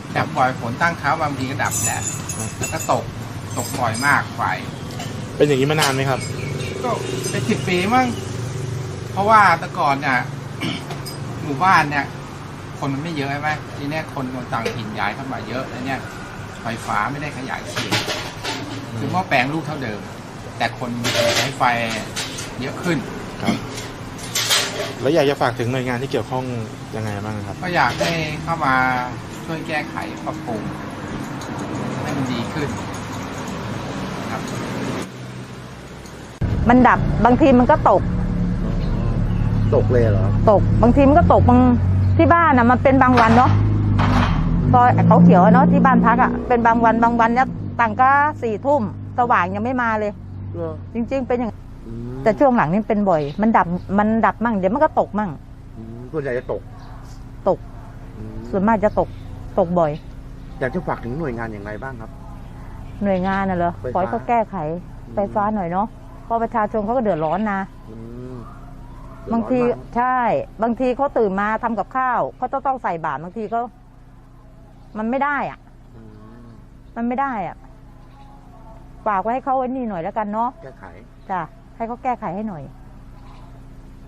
ดับบ่อยฝนตั้งเขาบางทีก็ดับแหละแล้วก็ตกบ่อยมากไฟเป็นอย่างนี้มานานไหมครับก็เป็น10 ปีมั้งเพราะว่าแต่ก่อนเนี่ย หมู่บ้านเนี่ยคนมันไม่เยอะใช่ไหมทีนี้คนต่างถิ่นย้ายเข้ามาเยอะแล้วเนี่ยไฟฟ้าไม่ได้ขยายเขตคือหม้อแปลงลูกเท่าเดิมแต่คนใช้ไฟเยอะขึ้นครับแล้วอยากจะฝากถึงหน่วยงานที่เกี่ยวข้องยังไงบ้างครับก็อยากให้เข้ามาช่วยแก้ไขปรับปรุงให้มันดีขึ้นครับมันดับบางทีมันก็ตกเลยเหรอตกบางทีมันก็ตกบางที่บ้านมันเป็นบางวันเนาะซอยเขาเขียวเนาะที่บ้านพักเป็นบางวันเนี่ยต่างก็4 ทุ่มสว่างยังไม่มาเลยจริงๆเป็นอย่างแต่ช่วงหลังนี่เป็นบ่อยมันดับมั่งเดี๋ยวมันก็ตกมั่งส่วนใหญ่จะตกส่วนมากจะตกบ่อยอยากจะฝากถึงหน่วยงานอย่างไรบ้างครับหน่วยงานน่ะเหรอขอให้เขาแก้ไขไฟฟ้าหน่อยเนาะเพราะประชาชนเขาก็เดือดร้อนนะบางทีใช่บางทีเขาตื่นมาทำกับข้าวเขาต้องใส่บาตรบางทีก็มันไม่ได้ฝากไว้ให้เขาไว้นี่หน่อยแล้วกันเนาะแก้ไขจ้ะให้เขาแก้ไขให้หน่อย